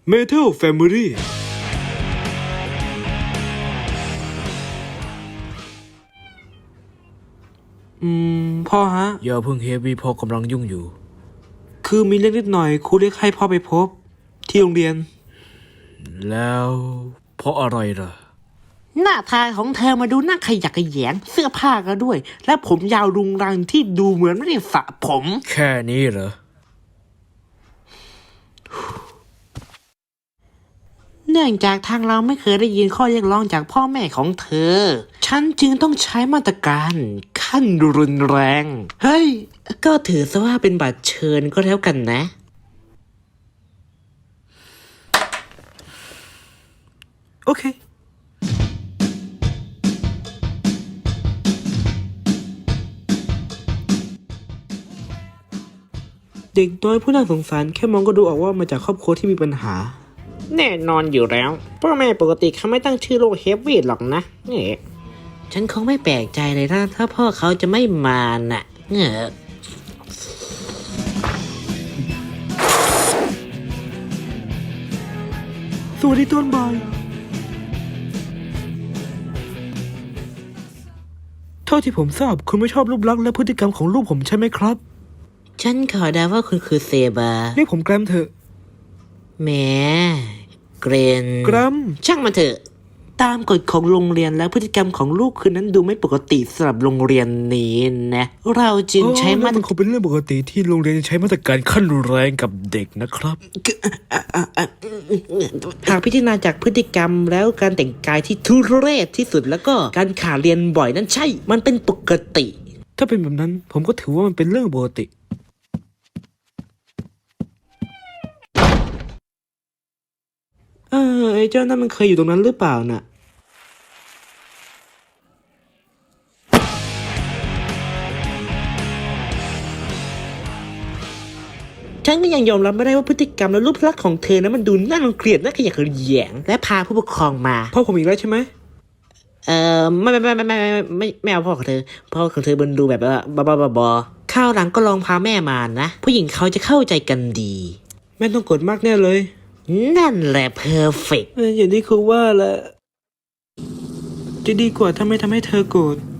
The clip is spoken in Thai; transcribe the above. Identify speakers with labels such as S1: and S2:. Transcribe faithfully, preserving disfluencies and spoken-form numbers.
S1: Metal Family อืมพ่อฮะ
S2: อย่าเพิ่งเฮฟวี่พ่อกำลังยุ่งอยู่
S1: คือมีเรื่องนิดหน่อยครูเรียกให้พ่อไปพบที่โรงเรียน
S2: แล้วเพราะอะไรล่ะ
S3: หน้าตาของเธอมาดูน่าขยักขยแยงเสื้อผ้าก็ด้วยและผมยาวรุงรังที่ดูเหมือนไม่ได้สระผม
S2: แค่นี้เหรอ
S3: เนื่องจากทางเราไม่เคยได้ยินข้อเรียกร้องจากพ่อแม่ของเธอฉันจึงต้องใช้มาตรการขั้นรุนแรงเฮ้ยก็ถือซะว่าเป็นบัตรเชิญก็แล้วกันนะ
S1: โอเคเด็กน้อยผู้น่าสงสารแค่มองก็ดูออกว่ามาจากครอบครัวที่มีปัญหา
S3: แน่นอนอยู่แล้วพ่อแม่ปกติเขาไม่ตั้งชื่อโลกเฮฟวี่หรอกนะเนี่ยฉันคงไม่แปลกใจเลยนะถ้าพ่อเขาจะไม่มาน่ะเงอะ
S1: สวัสดีต้นบอยเท่าที่ผมทราบคุณไม่ชอบรูปลักษณ์และพฤติกรรมของลูกผมใช่ไหมครับ
S3: ฉันขอเดาว่าคุณคือเซบา
S1: เรียกผมแกรมเถอะ
S3: แหมเกรน
S1: แกรม
S3: ช่างมันเถอะตามกฎของโรงเรียนแล้วพฤติกรรมของลูกคืนนั้นดูไม่ปกติสำหรับโรงเรียนนี้นะเราจึงใช้มาตร
S1: มันคงเป็นเรื่องปกติที่โรงเรียนใช้มาตรการขั้นรุนแรงกับเด็กนะครับ
S3: หากพิจารณาจากพฤติกรรมแล้วการแต่งกายที่ทุเรศที่สุดแล้วก็การขาดเรียนบ่อยนั้นใช่มันเป็นปกติ
S1: ถ้าเป็นแบบนั้นผมก็ถือว่ามันเป็นเรื่องปกติเออไอ้เจ้านั่นมันเคยอยู่ตรงนั้นหรือเปล่าน่ะ
S3: ฉันก็ยังยอมรับไม่ได้ว่าพฤติกรรมและรูปลักษณ์ของเธอนั้นมันดูน่ารังเกียจน่าขยะแขยงและพาผู้ปกครองมา
S1: พ่อผมอีกแล้วใช่ไหม
S3: เอ่อไม่ไม่ไม่ไม่ไม่ไม่ไม่เอาพ่อของเธอพ่อของเธอมันดูแบบว่าบ้าบ้าบอข้าวหลังก็ลองพาแม่มานะผู้หญิงเขาจะเข้าใจกันดี
S1: แม่ต้องกดมากแน่เลย
S3: นั่นแหละเพอร์เฟกต์
S1: อย่างที่ครูว่าแหละจะดีกว่าถ้าไม่ทำให้เธอโกรธ